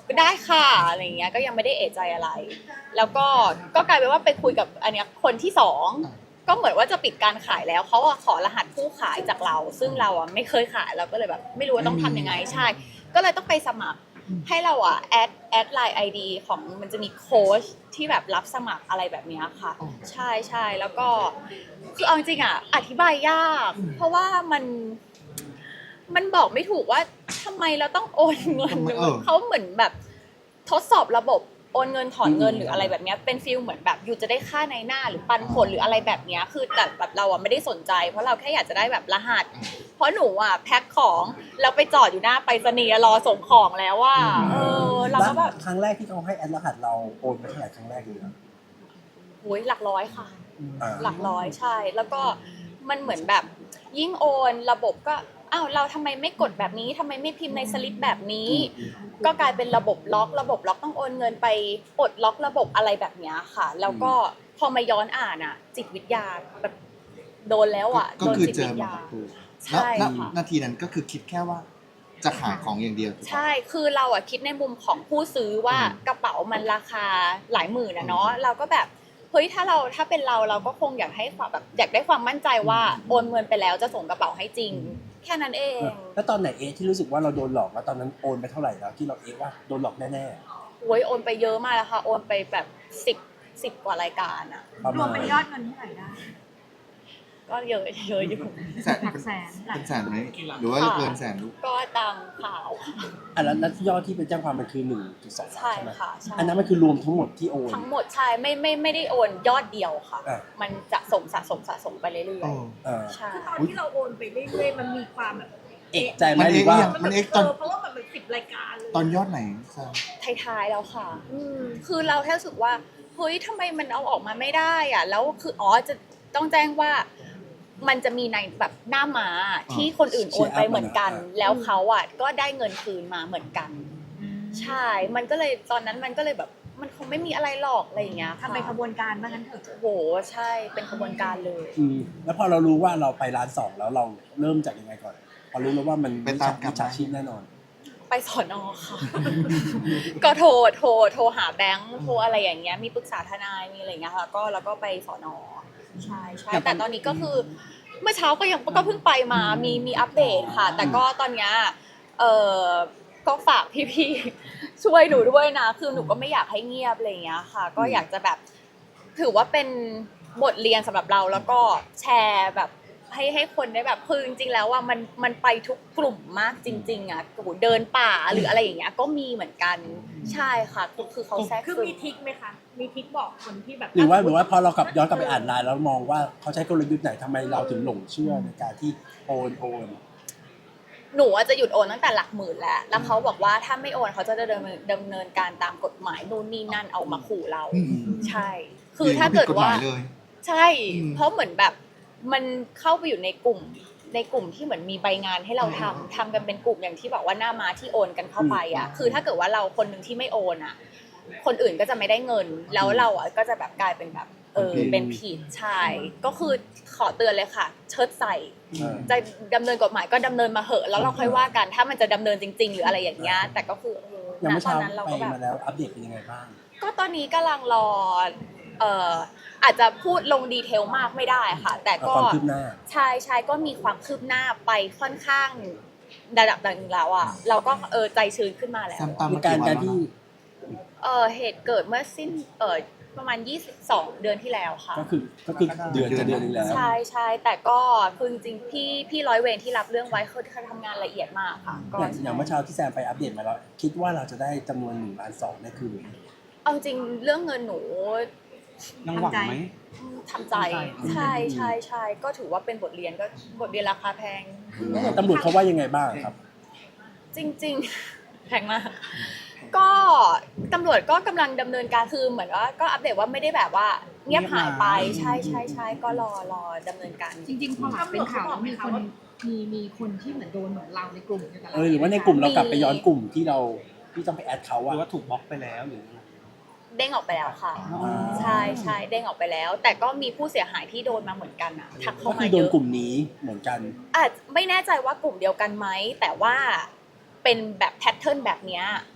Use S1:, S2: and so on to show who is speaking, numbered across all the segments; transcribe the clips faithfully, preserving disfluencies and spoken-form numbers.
S1: ได้ค่ะอะไรเงี้ยก็ยังไม่ได้เอะใจอะไรแล้วก็ก็กลายเป็นว่าไปคุยกับอันเนี้ยคนที่สองก็เหมือนว่าจะปิดการขายแล้วเขาอะขอรหัสผู้ขายจากเรา ซึ่งเราอะไม่เคยขายเราก็เลยแบบไม่รู้ว่าต้องทำยังไงใช่ก็เลยต้องไปสมัครให้เราอะแอดแอดไลน์ไอดีของมันจะมีโค้ชที่แบบรับสมัครอะไรแบบนี้ค่ะใช่ใช่แล้วก็คือเอาจริงๆอะอธิบายยากเพราะว่ามันมันบอกไม่ถูกว่าทำไมเราต้องโอนเงินเขาเหมือนแบบทดสอบระบบโอนเงินถอนเงินหรืออะไรแบบนี้เป็นฟิลเหมือนแบบอยู่จะได้ค่าในหน้าหรือปันผลหรืออะไรแบบนี้คือแต่แบบเราอะไม่ได้สนใจเพราะเราแค่อยากจะได้แบบรหัสเพราะหนูอะแพ็คของแล้วไปจอดอยู่หน้าไปรษณีย์รอส่งของแล้วว่าเออเราก็แบบ
S2: ครั้งแรกที่เขาให้แอดรหัสเราโอนไปเท่าไหร่ครั้งแรกเลยนะ
S1: โอ้ยหลักร้อยค่ะหลักร้อยใช่แล้วก็มันเหมือนแบบยิ่งโอนระบบก็อ้าวเราทำไมไม่กดแบบนี้ทำไมไม่พิมพ์ในสลิปแบบนี้ก็กลายเป็นระบบล็อกระบบล็อกต้องโอนเงินไปปลดล็อกระบบอะไรแบบนี้ค่ะแล้วก็พอมาย้อนอ่านอ่ะจิตวิทยาแบบโดนแล้วอ่ะ
S3: ก็คือเจอมาใช่ค่ะนาทีนั้นก็คือคิดแค่ว่าจะขายของอย่างเดียว
S1: ใช่คือเราอ่ะคิดในมุมของผู้ซื้อว่ากระเป๋ามันราคาหลายหมื่นนะเนาะเราก็แบบเฮ้ยถ้าเราถ้าเป็นเราเราก็คงอยากให้ความแบบอยากได้ความมั่นใจว่าโอนเงินไปแล้วจะส่งกระเป๋าให้จริงแค่นั้นเอง
S2: แล้วตอนไหนเอที่รู้สึกว่าเราโดนหลอกแล้วตอนนั้นโอนไปเท่าไหร่แล้วที่เราเอว่าโดนหลอกแน่
S1: ๆโอ้ยโอนไปเยอะมากแล้วค่ะโอนไปแบบสิบสิบกว่ารายการอะ
S4: รวมเป็นยอดเงินเท่าไหร่ได้
S1: ก็เยอะเยอะอยู่
S3: แสนเป็นแสนไหมหรือว่าเกินแสนลูก
S1: ก็ตามข่าว
S2: อ่ะแล้วแล้วยอดที่เป็นแจ้งความมันคือหนึ่งจุดสอง
S1: ใช่ค่ะ
S2: อันนั้นมันคือรวมทั้งหมดที่โอน
S1: ทั้งหมดใช่ไม่ไม่ไม่ได้โอนยอดเดียวค่ะมันจะสมสะสมสะสมไปเรื่อยๆใช่
S4: ตอนที่เราโอนไปเรื่อยๆมันมีความแบบ
S2: เอกใจไหมหรือว่า
S4: มันเอกตอนเพราะว่ามันเป็นสิบรายการเลย
S3: ตอนยอดไหน
S1: ท้ายๆแล้วค่ะคือเราแค่รู้สึกว่าเฮ้ยทำไมมันเอาออกมาไม่ได้อ่ะแล้วคืออ๋อจะต้องแจ้งว่ามันจะมีในแบบหน้าม้าที่คนอื่นโอนไปเหมือนกันแล้วเขาอ่ะก็ได้เงินคืนมาเหมือนกันใช่มันก็เลยตอนนั้นมันก็เลยแบบมันคงไม่มีอะไรหรอกอะไรอย่างเงี้ย
S4: ทำเป็นขบวนการบ้างงั้นเถอะ
S1: โหใช่เป็นขบวนการเลย
S2: แล้วพอเรารู้ว่าเราไปร้านสองแล้วเราเริ่มจากยังไงก่อนพอรู้แล้วว่ามัน
S3: เป็นตาม
S2: มิจฉาชีพแน่นอน
S1: ไปสอนอค่ะก็โทรโทรโทรหาแบงค์โทรอะไรอย่างเงี้ยมีปรึกษาทนายมีอะไรอย่างเงี้ยค่ะก็แล้วก็ไปสอนอใช่ใช่แต่ตอนนี้ก็คือเมื่อเช้าก็ยังก็เพิ่งไปมามีมีอัปเดตค่ะแต่ก็ตอนเนี้ยเออก็ฝากพี่ๆช่วยหนูด้วยนะคือหนูก็ไม่อยากให้เงียบอะไรอย่างเงี้ยค่ะก็อยากจะแบบถือว่าเป็นบทเรียนสำหรับเราแล้วก็แชร์แบบให้ให้คนได้แบบคือจริงๆแล้วว่ามันมันไปทุกกลุ่มมากจริงๆอ่ะโอ้โหเดินป่าหรืออะไรอย่างเงี้ยก็มีเหมือนกันใช่ค่ะคือคือเขาแทรก
S4: คือมีทิกไหมคะมีทิกบอกคนที่แบบ
S2: หรือว่าหรือว่าพอเรากลับย้อนกลับไปอ่านไลน์แล้วมองว่าเขาใช้กลยุทธ์ไหนทำไมเราถึงหลงเชื่อในการที่โอนโอน
S1: หนูจะหยุดโอนตั้งแต่หลักหมื่นแล้วแล้วเขาบอกว่าถ้าไม่โอนเขาจะดำเนินดำเนินการตามกฎหมายนู่นนี่นั่นเอามาขู่เราใช่คือถ้าเกิดว่าใช่เพราะเหมือนแบบมันเข้าไปอยู่ในกลุ่มในกลุ่มที่เหมือนมีใบงานให้เราทำทำกันเป็นกลุ่มอย่างที่บอกว่าหน้าม้าที่โอนกันเข้าไปอ่ะคือถ้าเกิดว่าเราคนหนึ่งที่ไม่โอนอ่ะคนอื่นก็จะไม่ได้เงินแล้วเราอ่ะก็จะแบบกลายเป็นแบบเออเป็นผิดใช่ก็คือขอเตือนเลยค่ะเชิดใส่จะดำเนินกฎหมายก็ดำเนินมาเหอะแล้วเราค่อยว่ากันถ้ามันจะดำเนินจริงๆหรืออะไรอย่างเงี้ยแต่ก็คือ
S2: อย่างเมื่อเช้าไปมาแล้วอัปเดตเป็นยังไงบ้าง
S1: ก็ตอนนี้กำลังรอเอ่ออาจจะพูดลงดีเทลมากไม่ได้ค่ะแต่ก็ใช่ใช่ก็มีความคืบหน้าไปค่อนข้างระดับหนึ่งแล้วอ่ะเราก็เออใจชื้นขึ้นมาแล้ว
S2: มีการการที่
S1: เออเหตุเกิดเมื่อสิ้นเออประมาณยี่สิบสองเดือนที่แล้วค่ะ
S2: ก็คือก็คือเดือนจะเดือนนึงแล้ว
S1: ใช่ใช่แต่ก็คือจริงๆพี่พี่ร้อยเวรที่รับเรื่องไว้เขาเขาทำงานละเอียดมากค่ะ
S2: ก็อย่างเมื่อเช้าที่แซมไปอัปเดตมาแล้วคิดว่าเราจะได้จำนวนหนึ่งล้านสองได้คืน
S1: เอาจริงเรื่องเงินหนู
S5: ยังหวังไหม
S1: ทำใจใช่ใช่ใช่ก็ถือว่าเป็นบทเรียนก็บทเรียนราคาแพง
S2: ตำรวจเขาว่ายังไงบ้างครับ
S1: จริงๆแพงมากก็ตำรวจก็กำลังดำเนินการคือเหมือนว่าก็อัปเดตว่าไม่ได้แบบว่าเงียบหายไปใช่ใช่ใช่ก็รอรอดำเนินการ
S4: จริงๆพอเป็นข่าวมีคนมีมีคนที่เหมือนโดนเหมือนเราในกลุ่มกัน
S2: เออหรือว่าในกลุ่มเรากลับไปย้อนกลุ่มที่เราที่ต้องไปแอดเขาอะ
S5: หรือว่าถูกบล็อกไปแล้วหรือ
S1: เด้งออกไปแล้วค่ะใช่ใช่เด้งออกไปแล้วแต่ก็มีผู้เสียหายที่โดนมาเหมือนกันอ่ะทักเข้ามาเยอะ
S2: ก็คือโดนกลุ่มนี้เหมือนกัน
S1: อาจไม่แน่ใจว่ากลุ่มเดียวกันไหมแต่ว่าเป็นแบบแพทเทิร์นแบบนี้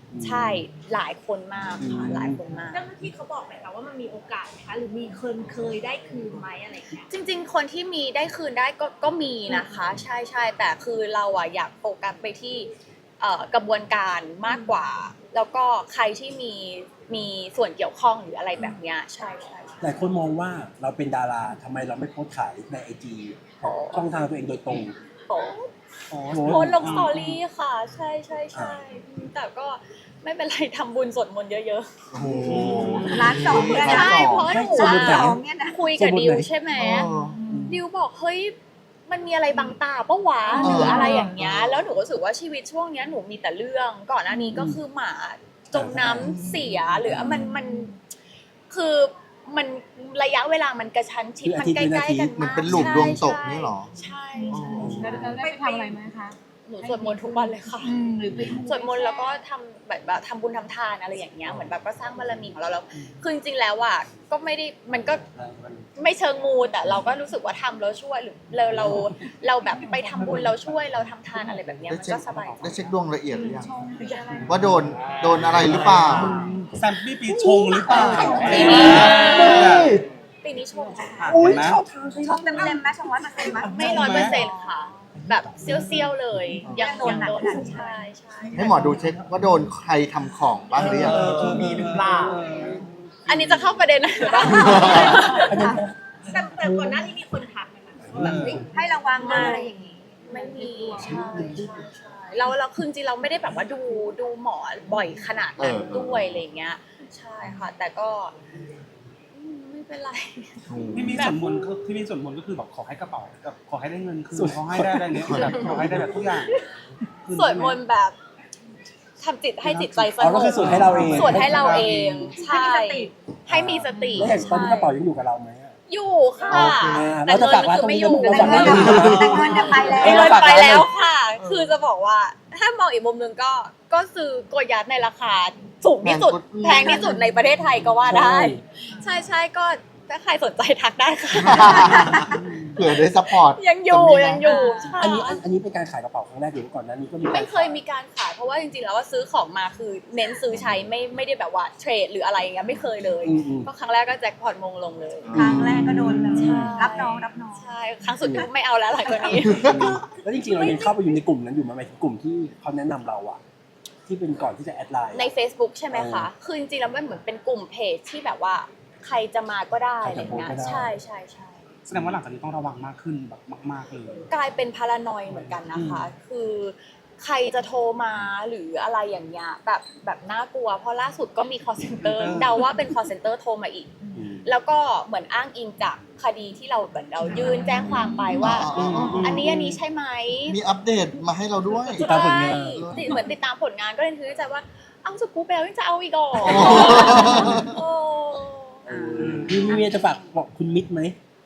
S1: ใช่หลายคนมากค่ะหลายคนมาก
S6: เจ้าหน้าที่เขาบอกไหมคะว่ามันมีโอกาสไหมคะหรือมีคนเคยได้คืนไหมอะไรอย่างเงี้ย
S1: จริงๆ คนที่มีได้คืนได้ก็ก็มีนะคะ ใช่ใช่แต่คือเราอะอยากโฟกัสไปที่เอ่อกระบวนการมากกว่า แล้วก็ใครที่มีมีส่วนเกี่ยวข้องหรืออะไรแบบเนี้ยใช่ใช่ใช่
S2: หลายคนมองว่าเราเป็นดาราทำไมเราไม่โพสต์ขายในไอจีช่องทางตัวเองโดยตรง
S1: โอ้
S5: โอ้
S1: โพสต์ลงสตอรี่ค่ะ ใช่ใช่ใช่แต่ก็ไม่เป็นไรทำบุญสวดมนต์เยอะ
S3: โอ้โห
S4: ร้านสองเนี่ย
S1: ๆ
S4: นะ
S1: ใช่เพราะหนู
S2: สวดมนต์ไหน
S1: อะ
S4: สองเนี่ยนะ
S1: คุยกับ
S2: สวดมนต์
S1: ดิว
S2: ไหน
S1: ใช่ไหม
S3: เออ
S1: ดิวบอกเฮ้ยมันมีอะไรบังตาปะวะ
S3: เออ
S1: หรืออะไรอย่างเงี้ยแล้วหนูก็รู้สึกว่าชีวิตช่วงเนี้ยหนูมีแต่เรื่องก่อนหน้านี้ก็คือหมาจมน้ำเสียหรือมันมันคือมันระยะเวลามันกระชั้นชิด
S2: คือ
S1: มัน
S2: อาทิตย์
S1: ใกล้ๆกัน
S3: มั
S1: มาน ก
S3: เป็นหลุมดวงตกนี่หรอ
S1: ใช่
S3: อ๋อ
S1: ใช่
S4: แล้ว
S1: ใช่
S4: แล้วได้ไปทำอะไรไหมคะ
S1: หนูสวดมนต์ทุกวันเลยค่ะ
S4: อืมหรือไป
S1: สวดมนต์แล้วก็ทำแบบแบบทำบุญทำทานอะไรอย่างเงี้ยเหมือนแบบก็สร้างบารมีของเราแล้วคือจริงๆแล้วอ่ะก็ไม่ได้มันก็ไม่เชิงมูแต่เราก็รู้สึกว่าทำแล้วช่วยหรือเราเราเราแบบไปทำบุญเราช่วยเราทำทานอะไรแบบเนี้ย
S3: ได้
S1: มัน
S3: เช็ค
S1: ก็สบายใจ
S3: ได้เช็คดวงละเอียดหรือยัง
S4: ชงไปอะไร
S3: ว่าโดนโดนอะไรหรือเปล่า
S5: แซมปี้ปีชงหรือเปล่า
S1: ปีนี้ปีนี้โชคค่ะ
S5: อุ้ยชอบ
S4: ชงเต็มเต็มๆไหมชงร้อยเปอร์เซ็นต์ไหม
S1: ไม่ร้อยเปอร์เซ็นต์ค่ะ แบบเซี่ยวๆเลย ยังยังโดนใช่ใช่
S3: ให้หมอดูเช็คว่าโดนใครทำของบ้างหรือยัง
S5: มีหรือเปล่า
S1: อันนี้จะเข้าประเด็นไหนหรือเปล่า
S6: แต่แต่ก่อนหน้านี้มีคนทักไหมคะว่าแบบเฮ้ย
S4: ให้ระวังนะอะไรอย่างนี้
S1: ไม่มีใช่ใช่ใช่เราเราคือจริงๆเราไม่ได้แบบว่าดูดูหมอบ่อยขนาดนั้นด้วยอะไรเงี้ย ใช่ค่ะ แต่ก็อืมไม่เป็นไร
S5: ที่มีส่วนมนต์ก็ที่มีส่วนมนต์ก็คือแบบขอให้กระเป๋าแบบขอให้ได้เงินคืนขอให้ได้อะไรเนี้ยแบบขอให้ได้แบบทุกอย่างคืน
S1: สวดมนต์แบบทำจิตให้จิตใจส
S2: อ๋อง ก็
S1: บ
S2: คือสวดให้เราเอง
S1: สวดให้เราเอง ใช่ ให้มีสติ
S2: แล้วอย่างตอนนี้กระเป๋ายังอยู่กับเราไหมอะ
S1: อยู่ค่ะ
S2: โอเค
S1: แต่
S2: เราจะ
S1: เงิ
S2: ฝาก
S1: น
S2: ร้าน
S1: คือ
S2: ตรง
S1: ไม่
S2: นี้
S1: อยู่
S2: เราฝากร้าน
S4: แต่
S2: ตรงนี้
S4: เงินจะไปแล้ว
S1: เงินไปแล้วค่ะ คือจะบอกว่าถ้ามองอีกมุมหนึงก็ก็ซื้อโกยัดในราคาสูงที่สุดแพงที่สุดในประเทศไทยก็ว่าได้ ใช่ใช่ก็ถ้าใครสนใจทักได้ค่ะ
S3: เผื่อได้ซัพพอร์ต
S1: ยังอยู่
S3: จะมีนะ
S1: ยังอยู่ใช่
S2: อันนี้อันอันนี้เป็นการขายกระเป๋าครั้งแรกหรือว่าก่อนหน้านี้ก็มีการ
S1: ไม่เคยมีการขายเพราะว่าจริงๆแล้วว่าซื้อของมาคือเน้นซื้อใช้ไม่ไม่ได้แบบว่าเทรดหรืออะไรอย่างเงี้ยไม่เคยเลย
S2: อืมอืม
S1: ก็ครั้งแรกก็แจ็คพอตมงลงเลย
S4: ครั้งแรกก็โดนเลย
S1: ใช่
S4: รับน้องรับน้อง
S1: ใช่ครั้งสุดท้ายไม่เอาแล้วหลังจากนี้
S2: แล้วจริงๆเรายังเข้าไปอยู่ในกลุ่มนั้นอยู่ไหมหมายถึงกลุ่มที่เขาแนะนำเราอะที่เป็นก่อนที่จะแอดไลน์
S1: ใน Facebook ใช่ไหมคะ
S2: เออ
S1: คือจริงๆแล้วมันเหมือนเป็นกลุ่มเพจที่แบบว่าใครจะมาก็ได้
S2: ใคร
S1: อะไร
S2: จะโพสต์
S1: เงี้ย
S2: ก็ได้
S1: ใช่ใช่ใช่
S5: แสดงว่าหลังจากนี้ต้องระวังมากขึ้นแบบมากๆเลย
S1: กลายเป็นพารานอยเหมือนกันนะคะ คือใครจะโทรมาหรืออะไรอย่างเงี้ยแบบแบบน่ากลัว เพราะล่าสุดก็มี call center เดาว่าเป็น call center โทรมาอีก
S2: อืม
S1: แล้วก็เหมือนอ้างอิงจากคดีที่เราเหมือนเรายื่นแจ้งความไปว่า
S3: อ๋ออ๋ออ๋อ
S1: อันนี้อันนี้ใช่ไหม
S3: มีอัปเดตมาให้เราด้วย
S2: ติดตามผลงาน
S1: ใช่ติดเหมือนติดตามผลงานก็เลยคิดในใจว่า เอาสกู๊ปไปแล้วยังจะเอาอีกเหรอโอ้
S2: มีมีเมียจะฝากบอกคุณมิตรไหม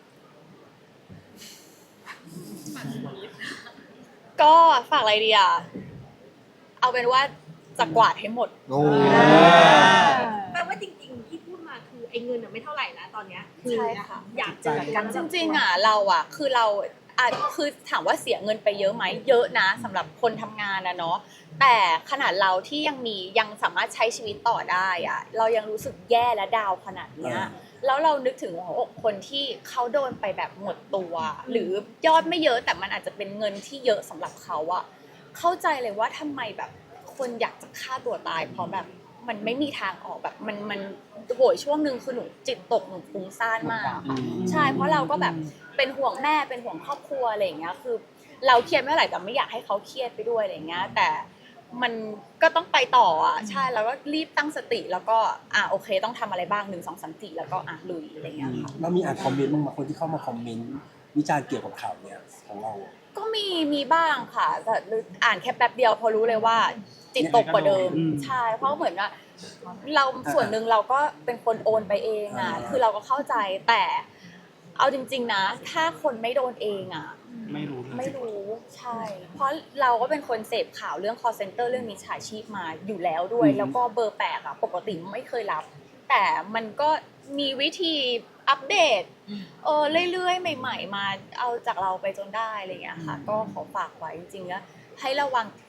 S1: ก็ฝากอะไรดีอ่ะ เอาเป็นว่าจะกวาดให้หมด
S3: โอ้
S6: แปลว่าจริงๆที่พูดมาคือไอ้เงินอะไม่เท่าไหร่นะตอนเนี้ยคือ
S1: ใช่ค่ะ
S6: อยากเจอกัน
S1: จริงๆอ่ะเราอ่ะคือเราอ่ะคือถามว่าเสียเงินไปเยอะไหมเยอะนะสำหรับคนทำงานนะเนาะแต่ขนาดเราที่ยังมียังสามารถใช้ชีวิตต่อได้อ่ะเรายังรู้สึกแย่และดาวขนาดเนี้ยแล้วเรานึกถึงหัวอกคนที่เขาโดนไปแบบหมดตัว หรือยอดไม่เยอะแต่มันอาจจะเป็นเงินที่เยอะสำหรับเขาอะเข้าใจเลยว่าทำไมแบบคนอยากจะฆ่าตัวตายเพราะแบบมันไม่มีทางออกแบบมันมันโหยช่วงหนึ่งคือหนูจิตตกหนูฟุ้งซ่านมาก
S2: อืม
S1: ใช่ เพราะเราก็แบบเป็นห่วงแม่ เป็นห่วงครอบครัวอะไรอย่างเงี้ย คือเราเครียดไม่เท่าไหร่แต่ไม่อยากให้เขาเครียดไปด้วยอะไรอย่างเงี้ย แต่มันก็ต้องไปต่ออ่ะ ใช่ แล้วก็รีบตั้งสติ แล้วก็อ่ะโอเค ต้องทำอะไรบ้างหนึ่งสองสามสี่แล้วก็อ่ะลุยอะไรอย่างเงี้ยค่ะ
S2: เรามีอ่านคอมเมนต์บ้างไหมคนที่เข้ามาคอมเมนต์วิจารณ์เกี่ยวกับข่าวเนี้ยของเราอะ
S1: ก็มีมีบ้างค่ะแต่อ่านแค่แป๊บเดียวพอรู้เลยว่าจิตตกกว่าเดิม ใช่ เพราะเหมือนว่าเราส่วนหนึ่งเราก็เป็นคนโอนไปเองอ่ะ คือเราก็เข้าใจ แต่เอาจริง ๆนะ ถ้าคนไม่โดนเองอ่ะ
S5: ไม่รู้เลย
S1: ไม่รู้ใช่ เพราะเราก็เป็นคนเสพข่าวเรื่อง call center เรื่องมิจฉาชีพมาอยู่แล้วด้วย
S2: อืม
S1: แล้วก็เบอร์แปลกอะปกติไม่เคยรับ แต่มันก็มีวิธีอัปเดตเออเรื่อยๆ ใหม่ ๆ มาเอาจากเราไปจนได้อะไรอย่างเงี้ยค่ะ ก็ขอฝากไว้จริงๆแล้วให้ระวัง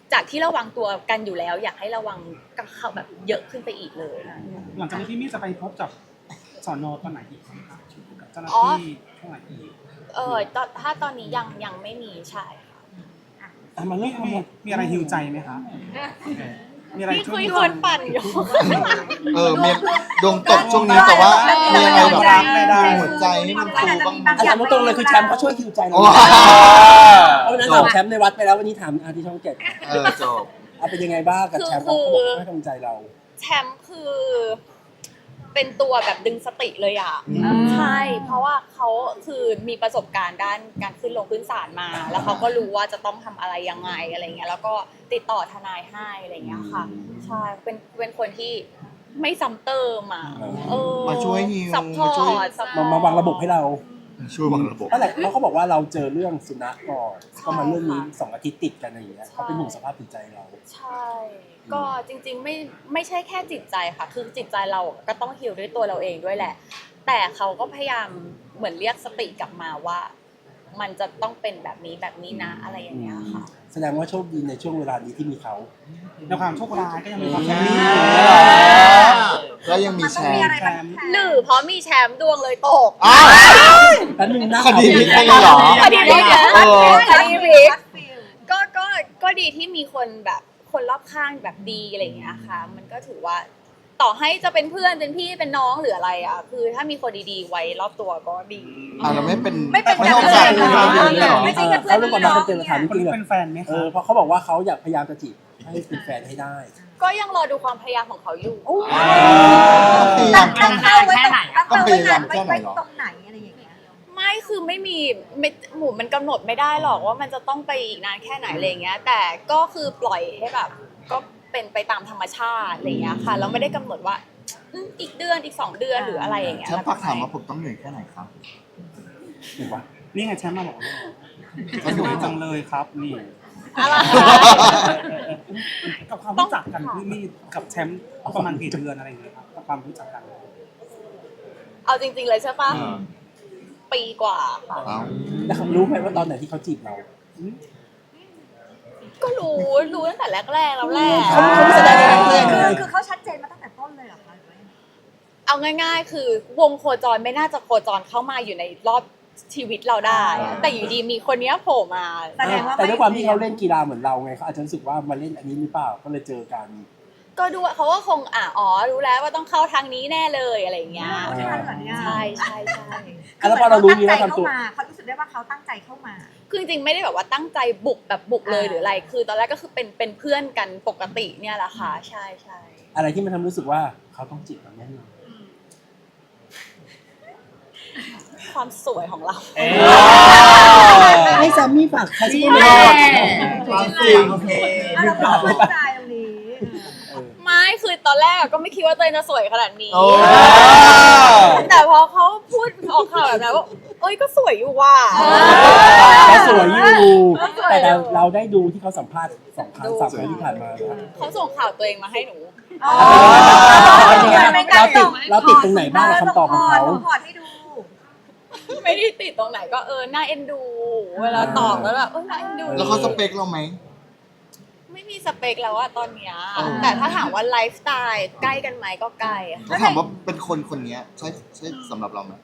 S1: จากที่ระวังตัวกันอยู่แล้ว อยากให้ระวังกับเขาแบบเยอะขึ้นไปอีกเลย
S5: หลังจากนี้พี่มี่จะไปพบกับสอนอตอนไหนอีกครับกับเจ้าหน้า
S1: อ๋อ
S5: ที่เท่าไหร่อีก
S1: เออตอนถ้าตอนนี้ยังยังไม่มีใช่ค่ะ
S2: อ่ะมาเรื่
S5: มี
S2: องทั้ง
S5: มี
S2: หมด
S5: มีอะไรฮิวใจไหมคะมีอะไร
S1: พี่
S5: ช่
S1: คุ
S5: วย
S1: ย
S5: ฮิว
S1: ค
S5: ใจ
S1: นปั่นอยู่
S3: เออเมียดวงตกช่วงนี้แต่ว่ามีอะไรแบบ
S5: ไม่ได้
S3: หัวใจให้มันฟูบ้างไหม
S2: อาจารย์ตรงๆเลยคือแชมป์เขาช่วยคิวใจเรา
S3: โอ้
S2: เพราะวันนั้นถามแชมป์ในวัดไปแล้ววันนี้ถามอาที่ช่องเจ็ด
S3: เออจบ
S2: เอาเป็นยังไงบ้างกับแชมป์เขาบอกให้กำลังใจเรา
S1: แชมป์คือเป็นตัวแบบดึงสติเลยอ่ะ
S3: อืม
S1: ใช่ เพราะว่าเขาคือมีประสบการณ์ด้านการขึ้นลงขึ้นศาลมา แล้วเขาก็รู้ว่าจะต้องทำอะไรยังไงอะไรเงี้ยแล้วก็ติดต่อทนายให้อะไรเงี้ยค่ะ ใช่เป็นเป็นคนที่ไม่ซ้ำเติมอ่ะเออ
S3: มาช่วยฮิว
S1: ซัพพอ
S3: มาช่วย
S1: ร์ตซัพพอ
S2: มา
S1: ร์ต
S2: มาวางระบบให้เรา
S3: ช่วยวางระบบ
S2: เพราะอะไรเพราะเขาบอกว่าเราเจอเรื่องสุนัขก่อนก็มาเรื่องนี้สองอาทิตย์ติดกันอะไรอย่างเงี้ยเขาเป็นห่วงสภาพจิตใจเรา
S1: ใช่ ก็จริงๆไม่ไม่ใช่แค่จิตใจค่ะ คือจิตใจเราก็ต้องฮีลด้วยตัวเราเองด้วยแหละ แต่เขาก็พยายามเหมือนเรียกสติกลับมาว่า มันจะต้องเป็นแบบนี้แบบนี้นะอะไรอย่างเงี้ยค่ะ
S2: แสดงว่าโชคดีในช่วงเวลานี้ที่มีเขา
S5: ในความโชคร้ายก็ยังมีความ
S2: อื
S5: แช
S2: ม
S5: มป์
S3: แล้วยังมีแชร์
S5: แชมป์
S1: หรือเพราะมีแชมป์ดวงเลยตก
S3: อ้าว
S2: แป๊บนึงนะ
S3: คดีพลิกได้เลยเหรอ
S1: คดีพลิกเหรอ
S3: เออ
S1: คดีพลิกก็ก็ก็ดีที่มีคนแบบคนรอบข้างแบบดีอะไรอย่างเงี้ยค่ะ มันก็ถือว่าต่อให้จะเป็นเพื่อนเป็นพี่เป็นน้องหรืออะไรอ่ะ คือถ้ามีคนดีๆไว้รอบตัวก็ดี
S3: อ่าเราไม่เป็น
S6: ไม่เป็น
S3: ไม่ต้องการ
S6: แบบนั้น
S3: ไม่ต้องการเลยเหรอ
S6: ไม่ใช่
S2: เออเขาเรื่องความรักเป็นเตือนสถาน
S5: คน
S2: จริง
S5: นี้
S2: ๆ
S5: เป็นแฟนไหม
S2: เอ
S5: คะ
S2: อเพราะเขาบอกว่าเขาอยากพยายามจะจีบให้เป็นแฟนให้ได้
S1: ก็ยังรอดูความพยายามของเขาอยู่
S3: พยายาม
S6: ตั้งเป้าไว้ตรงตั้ง
S3: ต้อง
S6: เป้า
S3: พ
S6: ไว้
S3: ยายาม
S6: ไว้
S3: แค่ไหน
S6: ไว้
S3: เหรอ
S6: ตรงไหนอะไรอย่างเงี้ย
S1: ไม่คือไม่มีไม่หมูมันกำหนดไม่ได้หรอกว่ามันจะต้องไปอีกนานแค่ไหนอะไรเงี้ย แต่ก็คือปล่อยให้แบบก็เป็นไปตามธรรมชาติอะไรเงี้ยค่ะแล้วไม่ได้กำหนดว่าอืมอีกเดือนอีกสองเดือนหรืออะไรอย่างเงี้ย
S3: แชมป์ฝากถามว่าผมต้องเหนื่อยแค่ไหนครับ
S2: ถูกปะ
S5: นี่ไงแชมป์มาบอกสนุกจังเลยครับนี่
S1: อะไร
S5: กับความรู้จักกันพี่มี่กับแชมป์ประมาณกี่เดือนอะไรอย่างเงี้ยครับกับความรู้จักกัน
S1: เอาจริงๆเลยใช่ปะปีกว่าค่ะ
S3: เอา
S2: แล้วเขารู้ไหมว่าตอนไหนที่เขาจีบเรา
S1: ก็รู้รู้ตั้งแต่แรกๆแล้วแหละ
S2: เขาเขาไม่แสดงอะไรเลย
S6: คือคือเขาชัดเจนมาตั้งแต่ต้นเลยเหรอคะหรือว่ายังไง
S1: เอาง่ายๆ คือวงโคจรไม่น่าจะโคจรเข้ามาอยู่ในรอบชีวิตเราได้ แต่อยู่ดีมีคนเนี้ยโผล่มา
S6: แสดงว่า
S2: แต่ด้วยความที่เขาเล่นกีฬาเหมือนเราไงเขาอาจจะรู้สึกว่ามาเล่นอันนี้หรือเปล่าก็เลยเจอกัน
S1: ก็ดูเขาก็คงอ่ะอ๋อรู้แล้วว่าต้องเข้าทางนี้แน่เลยอะไรอย่างเงี้ย
S6: ใช่เหรอเนี่ย
S1: ใช่ใช่ใช่
S2: อ่ะแล้วพอเรารู้นี้แล้วทำตัว
S6: เขารู้สึกได้ว่าเขาตั้งใจเข้ามา
S1: คือจริงๆไม่ได้แบบว่าตั้งใจบุกแบบบุกเลยหรืออะไร คือตอนแรกก็คือเป็นเป็นเพื่อนกันปกติเนี่ยแหละค่ะใช่ใช่
S2: อะไรที่มันทำรู้สึกว่าเขาต้องจีบเราแน่นอน
S1: ความสวยของเรา
S2: ให้แซมมี่ฝากใครสักคนห
S3: ย
S2: นึ่ง
S3: อดความจริง
S6: อ่ะเราก็มั่นใจตรงนี้
S1: ไม่คือตอนแรกก็ไม่คิดว่าตัวเองจะสวยขนาดนี้
S3: โอ้
S1: แต่พอเขาพูดออกข่าวแบบนั้นว่าเอ้ยก็สวยอยู่ว่ะ
S2: เขาสวยอยู่
S1: เขาสวยอยู่
S2: แต่เราได้ดูที่เขาสัมภาษณ์สองครั้งสามครั้งที่ผ่านมานะ
S1: เขาส่งข่าวตัวเองมาให้หนู
S6: อ๋อ
S2: เราติดเราติดตรงไหนบ้างกับคำตอบของเขา
S6: ส่พอร์ตให้ดู
S1: ไม่ได้ติดตรงไหนก็เออน่าเอ็นดู เวลาตอบแล้วแบบเออน่าเอ็นดู
S3: แล้วเขาสเปคเราไหม
S1: ไม่มีสเปคแล้วอะตอนเนี้ย
S3: อ๋อ
S1: แต่ถ้าถามว่าไลฟ์สไตล์ใกล้กันไหมก็ใกล้อะ
S3: เขาถามว่าเป็นคนคนนี้ใช่ใช่สำหรับเราไหม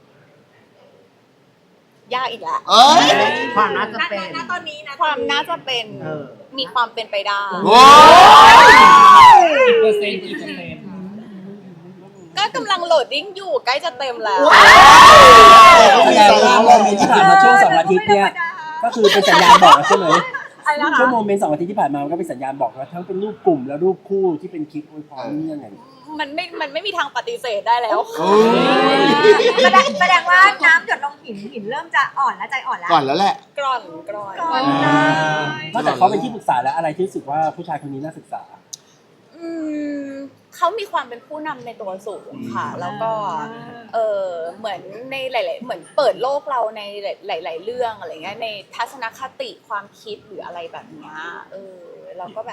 S1: ยากอีกแล้ว
S3: เอ้ย
S7: ความน่าจะเป็น
S6: ณตอนนี้นะ
S1: ความน่าจะเป็น
S7: เออ
S1: มีความเป็นไปได้
S3: โอ้ย
S7: เปอร์เซ็นต์กี่เปอร์เซ็นต์
S1: ก็กำลังโหลดดิ้งอยู่ใกล้จะเต็มแล้ว
S2: แสดงว่าโมเมนต์ที่ผ่านมาช่วงสองอาทิตย์เนี่ยก็คือเป็นสัญญาณบอกแล้วใช่ไหม
S1: อะไรนะคะ
S2: ช่วงโมเมนต์สองอาทิตย์ที่ผ่านมามันก็เป็นสัญญาณบอกแล้วทั้งเป็นรูปกลุ่มและรูปคู่ที่เป็นคลิปอวยพรนี่ยังไง
S1: มันไม่ มันไม่มีทางปฏิเสธได้แล้ว
S3: โอ้ย
S6: แสดงแสดงว่าน้ำหยดลงหินหินเริ่มจะอ่อนแล้วใจอ่อนแล้ว
S3: ก่อนแล้วแหละ
S1: กร่อนกร่อน
S6: ก่อนเลย
S2: นอกจากเขาเป็นที่ปรึกษาแล้วอะไรที่รู้สึกว่าผู้ชายคนนี้น่าศึกษา
S1: อืมเขามีความเป็นผู้นำในตัวสูงค่ะ แล้วก็เออเหมือนในหลาย ๆ เหมือนเปิดโลกเราในหลาย ๆ เรื่องอะไรเงี้ยในทัศนคติความคิดหรืออะไรแบบเนี้ยเออเราก็แบบ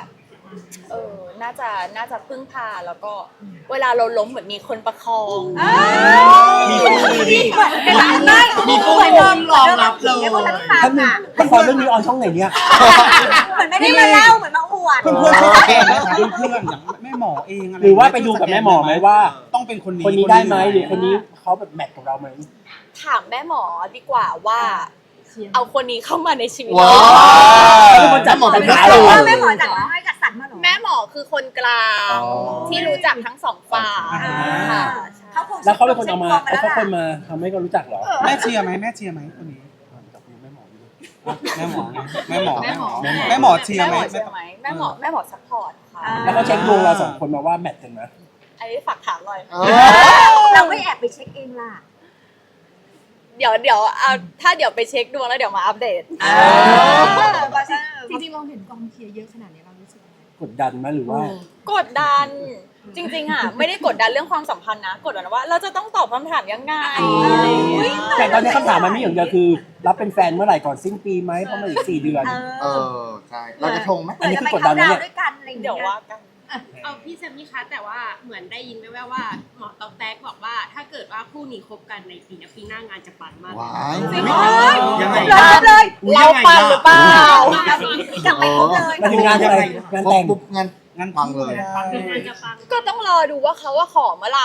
S1: เออน่าจะน่าจะพึ่งพาแล้วก็เวลาเราล้มเหมือนมีคนประคอง
S3: มีคนดี
S7: มีผู้รองรองรับเลย
S2: ท่านหนึงละครเรื่องนี้ออนช่องไหนเนี่ย
S6: เหมือนไม่ได้มาเล่าเหมือนมาอวด
S5: เพื่อนเพื่อนๆเองนะครับเพื่อนๆอย่างแม่หมอเองอะไร
S2: หรือว่าไปดูกับแม่หมอไหมว่า
S5: ต้องเป็นคนนี้
S2: คนนี้ได้ไหมหรือคนนี้เขาแบบแมทกับเราไหม
S1: ถามแม่หมอดีกว่าว่าเอาคนนี้เข้ามาในชีวิต
S3: ว้า
S2: แล้ว
S3: ว
S2: เป็นคนจัด
S3: หมอ
S2: ปั
S3: เป็น
S2: ญหา
S3: ห
S2: เหรอ
S3: มอ
S6: แม่หมอจัดให้จัดสรรมาเหรอ
S1: แม่หมอคือคนกลาง
S3: อ๋อ
S1: ที่รู้จักทั้งสองฝ่าย
S5: อ่า
S1: ค่ะ
S6: เขาคง
S2: แล้วเขาเป็นคนเอามา
S6: ช็
S2: เอา
S6: ค
S2: เขาคน
S6: แล้วล่ะ
S2: มาทำให้เขารู้จักเหรอ
S5: แม่เชียร์ไหมแม่เชียร์ไหมคนนี้แม่หมอแม่หมอแม่หมอแม่หมอแม่หมอเชียร์
S1: แม่
S5: ไห
S1: ห
S5: ม
S1: มอเชื่อไหมแม่หมอแม่หมอซัพพอร์ตค่ะ
S2: แล้วเขาเช็คดวงเราสองคนมาว่าแมทกันไหม
S1: อันนี้ฝากถามหน่อย
S3: เออ
S6: เราไม่แอบไปเช็คเองล่ะ
S1: เดี๋ยวเดี๋ยวเอาถ้าเดี๋ยวไปเช็คดวงแล้วเดี๋ยวมาอัปเดต
S4: จริงๆเราเห็นกองเชียร์เยอะขนาดนี้เรารู้สึกยังไง
S2: กดดันไหมหรือว่า
S1: กดดันจริงๆอ่ะไม่ได้กดดันเรื่องความสัมพันธ์นะ กดดันว่าเราจะต้องตอบคำถามยังไงอะไรอย่างเงี้ย
S2: แต่ตอนนี้คำถามมันไม่อย่างเดียวคือ รับเป็นแฟนเมื่อไหร่ก่อนสิ้นปีไหมเพราะมันอีกสี่เดือน
S3: เออใช่เราจะทงไหม
S2: อันนี้คือกดดันนะเนี่ย
S6: ด้วยกันอะไรอย่าง
S1: เดี๋
S6: เงี้
S1: ยวย ว่ากัน
S8: เอาพี่แซมมี่คะแต่ว่าเหมือนได้ยินแว่วๆว่าหมอตอกแตกบอกว่า ถ้าเกิดว่าคู่นี้คบกันในปีนี้ปีหน้างานจะปังมาก
S3: ว้าย
S6: จริงเหรอ
S7: ยังไง
S6: เลิศเลย
S1: เราปังหรือเปล่า
S6: จะไปคบเลย
S2: มันถึงงานอะไรงาน
S3: ครบ
S2: แต่ง
S3: ปุ๊บงาน
S5: งาน
S3: ปังเลย
S5: ปังเล
S8: งาน
S5: ย
S8: จะปัง
S1: ก็ต้องรอดูว่าเขาว่าขอเมื่อไหร่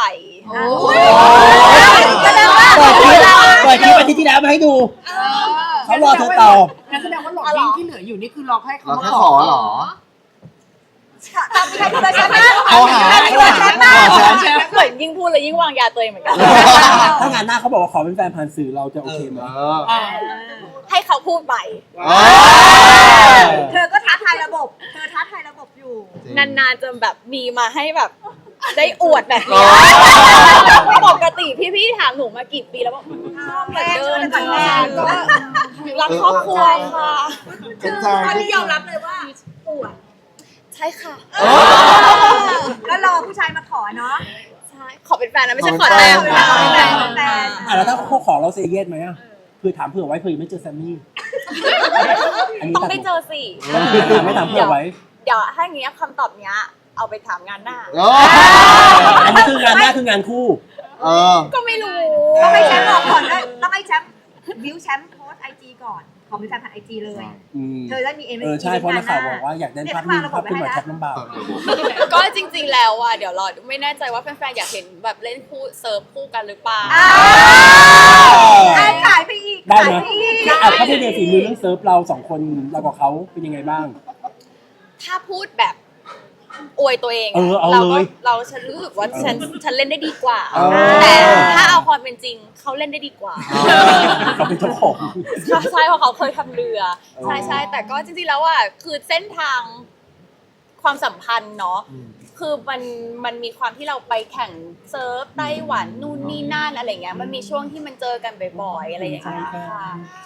S6: แสดงว่า
S2: เปิดคลิปเปิดคลิปอาทิตย์ที่แล้วมาให้ดูเขารอเธอตอบ
S4: งั้นแสดงว่าหลอดวิ่งที่เหลืออยู่นี่คือรอให้เขา
S3: เรา
S4: มา
S3: แค่
S4: ข
S3: ข
S4: อ
S3: อเหรอ
S6: ทำใครเลยชนะ
S3: เขาหาเขาหาเขาหาแชมป์
S1: เหมือนยิ่งพูดเลยยิ่งวางยาตัวเองเหมือนกัน
S2: ถ้างานหน้าเขาบอกว่าขอเป็นแฟนผ่านสื่อเราจะโอเคไหม
S3: เออ
S1: ให้เขาพูดไป
S3: เออ
S6: เธอก็ท้าทายระบบ เธอท้าทายระบบอยู่
S1: นานๆจะแบบมีมาให้แบบได้อวดแบบนี้ปกติพี่ๆถามหนูมากี่ปีแล้วว่าเหมือนเดิมค่ะก็รักครอบครัวค่ะ
S3: เข้าใจ
S6: ตอนนี้ยอมรับเลยว่าปวด
S1: ใช่ค่ะ
S6: ก็รอผู้ชายมาขอเนาะ
S1: ใช่ขอเป็นแฟนนะไม่ใช่ขอแต่ง
S6: ขอเป็นแฟนขอเป็นแฟนขอเป็นแฟน
S2: อ่ะแล้วถ้าเขาขอเราเซเยสไหมอ่ะคือถามเผื่อไว้เผื่อยังไม่เจอแซมมี่อันนี้
S1: ต้องได้เจอสิ
S2: ไม่ถามเผื่อไว้
S1: เดี๋ยวถ้าอย่างเงี้ยคำตอบเนี้ยเอาไปถามงานหน้า
S3: เออ
S2: อันนี้คืองานหน้าคืองานคู่
S3: เออ
S1: ก็ไม่รู้
S6: ต้องให้แชมป์บอกก่อนด้วยต้องให้แชมป์บิวแชมป์โพสไอจีก่อน ขอเป็นแฟนผ่านไอจีเลย
S2: อืม
S6: เธอได้มีเอ็ม
S2: เออใช่เพราะนักข่าวบอกว่าอยากได้ภาพนิ่งภาพขึ้นมาแคปลำบาก
S1: ก็จริง ๆ แล้วอ่ะเดี๋ยวรอไม่แน่ใจว่าแฟนๆอยากเห็นแบบเล่นคู่เซิร์ฟคู่กันหรือเปล่า
S6: อ้าวขายไปอีก
S2: ได้
S6: ขาย
S2: ไหม
S6: ไปอีก
S2: อ่ะถ้าพูดในฝีมือเรื่องเซิร์ฟเราสองคนเรากับเขาเป็นยังไงบ้าง
S1: ถ้าพูดแบบอวยตัวเอง
S2: เออเอา
S1: เรา
S2: เล
S1: ก็
S2: ย
S1: เราฉันรู้สึกว่าฉันฉันเล่นได้ดีกว่า
S2: เออ
S1: แต่ถ้าเอาความเป็นจริงเขาเล่นได้ดีกว่า
S2: เขาเป็นเจ้าของ
S1: ใช่ใช่เพราะเขาเคยทำเรือใช่ใช่แต่ก็จริงๆแล้วอ่ะคือเส้นทางความสัมพันธ์เนาะคือมันมันมีความที่เราไปแข่งเซิร์ฟไต้หวันนู่นนี่นั่นอะไรเงี้ยมันมีช่วงที่มันเจอกันบ่อยๆอะไรอย่างเงี้ยค่ะ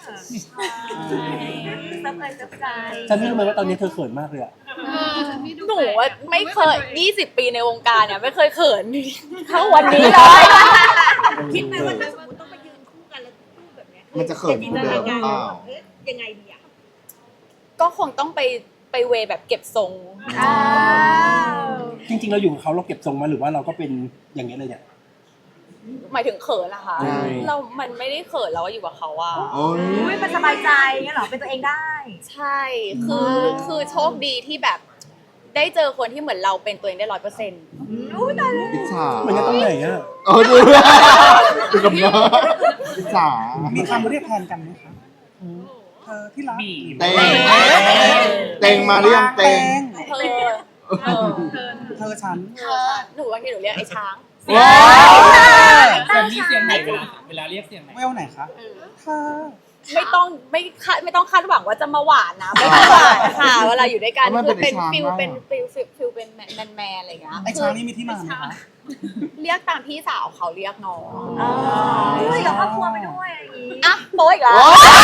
S6: ซับเลยซับใจ
S2: ฉันไม่รู้ไหมว่าตอนนี้เธอเขินมากเลยอะ
S1: หนูว่าไม่เคยยี่สิบปีในวงการเนี่ยไม่เคยเขินเท่าวันนี้เลย
S6: คิดไหมว่าถ้าสมมติต้องไปยืนคู่กันแล้วคู่แบบเนี้ย
S3: มันจะเขินคู่เดิมหรือเปล่า
S6: เอ๊ะยังไงดีอ่ะ
S1: ก็คงต้องไปไปเวแบบเก็บทรง
S6: อ้าว
S2: จริงๆเราอยู่กับเขาเราเก็บทรงมาหรือว่าเราก็เป็นอย่างนี้ยเลยเนี่ย
S1: หมายถึงเขินนะคะ
S2: ใช่
S1: เรา มันไม่ได้เขินเราว่าอยู่กับเขาอะ
S3: โอ้ย
S6: อุ้ยมันสบายใจเงี้ยเหรอเป็นตัวเองได้
S1: ใช่ คือ คือโชคดีที่แบบ ได้เจอคนที่เหมือนเราเป็นตัวเองได้ร้อยเปอร์เซ็นต์
S6: อุ้ยตายแล้ว
S3: อิจฉา
S2: มันก็ต้องไหนอะ
S3: เออดูดูกับเนื้ออิจฉา
S5: มีคำเรียกแทนกันไหมคะเธอที่รัก
S3: เต็งเต็งมาหรือยังเต็ง
S1: เธอเออ
S5: เธอฉัน
S1: เธอหนูบางทีหนูเรียกไอ้ช้าง
S3: ว้าว
S7: แซมมี่เสียงไหนเวลาเวลาเรียกเสียงไหน
S5: เวลไหนคะเธอ
S1: ไม่ต้องไม่คาดไม่ต้องคาดหวังว่าจะมาหวานนะ ไม่ต้องหวานค่ะ เวลาอยู่ด้วยกันคือเป็นฟิลเป็นฟิลฟิลฟิลเป็นแมนแมนอะไรอย่างเงี้ย
S5: ไอ้ช้างนี่มีที่มาไหมคะ
S1: เรียกตามพี่สาวเขาเรียกน้อง
S6: อุ้ยกับครอบครัวไปด้วยอะไรอย่างงี้
S1: อ่ะโป๊ยอีกแล้ว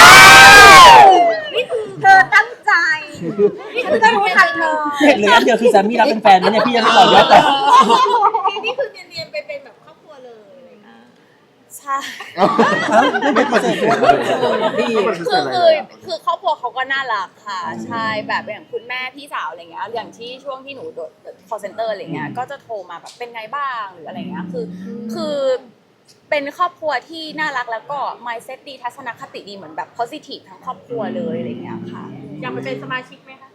S6: นี่คือเธอตั้งใจนี่คือก็รู้ทันเธอ
S2: เห็นเลยอันเดียวคือแซมมี่รับเป็นแฟนนะเนี่ยพี่ยังไม่บอกยอดแต่
S6: นี่คือเนียนๆไปเป็นแบบครอบครัวเลย
S1: ใใช่
S3: ไม่ปฏิเสธเลยไม่ปฏิเส
S1: คือ
S3: ธอะไร
S1: คื
S3: เล
S1: อย
S3: อะ
S1: คือครอบครัวเขาก็น่ารักค่ะใช่แบบอย่างคุณแม่พี่สาวอะไรเงี้ยอย่างที่ช่วงที่หนูโดด call center อะไรเงี้ยก็จะโทรมาแบบเป็นไงบ้างหรืออะไรเงี้ยคือคือเป็นครอบครัวที่น่ารักแล้วก็ mindset ดีทัศนคติดีเหมือนแบบ positive ทั้งครอบครัวเลยอะไรเงี้ยค่ะ
S8: อยากไปเป็นสมาชิกไหมคะ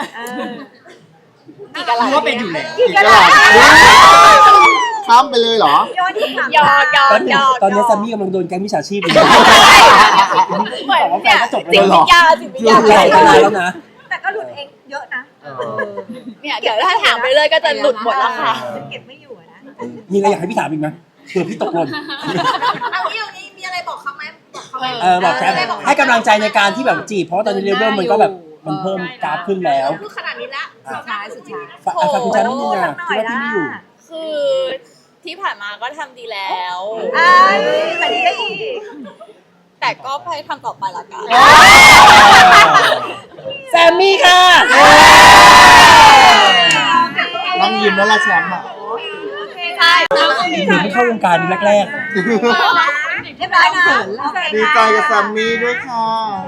S1: อีกอะไร
S7: รู้ว่าเป็นอยู่แล้ว
S3: อีกแล้วข้ามไปเลยเหรอ
S6: โยนที่ถาม
S1: ยอกยอ
S2: ตอก นนี้
S1: ยอก
S2: ตอนนี้แซมมี่กำลังโดนแก๊งมิจฉาชีพอยู่
S1: เหมือนเนี่ย
S2: จบ
S1: จิต
S2: เลยเหร
S1: วิ
S2: อ
S1: ทยาจิตวิท
S2: หลุ
S1: ยา
S2: ดไหลไปนานแล้วนะ
S6: แต่ก็หลุดเองเยอะนะ
S1: เนี่ยเดี๋ยวถ้าถามไปเลยก็จะหลุดหมดแล้วค่ะ
S6: ฉันเก็บไม่อยู่อะนะ
S2: มีอะไรอยากให้พี่ถามอีกไหมเผื่อพี่ตกหล่น
S6: เอางี้เอางี้มีอะไรบอกเขาไหมบอกเขาไหม
S2: เออบอกแซมให้กำลังใจในการที่แบบจีบเพราะว่าตอนนี้เลเวลมันก็แบบมันเพิ่มกราฟขึ้นแล้ว
S8: พูดขนาดนี้แล้ว
S4: สุดท้ายสุดท้าย
S2: ฝากฝากคุณแซมนิดนึง
S6: สั
S2: อ่ะ
S6: กหน่
S2: คิ
S6: อ
S2: ด
S6: ย
S2: ว่า
S6: ละ
S2: ที่ไม่อยู่
S1: คือที่ผ่านมาก็ทำดีแล้ว
S6: ไอ้แต่ดีได้อีก
S1: แต่ก็พยายามทำต่อไปละกัน
S2: แซมมี่ค่ะ
S3: นั่งยิ้มแล้วละแชมป์อ่ะ
S1: ใช่
S2: หนูเพิ่งเข้าวงการแรก
S6: เรียบร้อยนะ
S3: ดีใจกับแซมมี่ด้วยค่ะ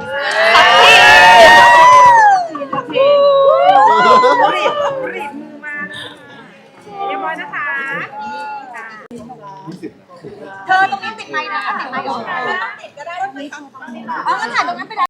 S6: รีบรีบมือมาเรียบร้อยนะคะ เธอตรงนี้ติดไมค์นะติดไมค์ออกมาต้องติดก็ได้ต้องติดอ๋อก็ถ่ายตรงนั้นไปแล้ว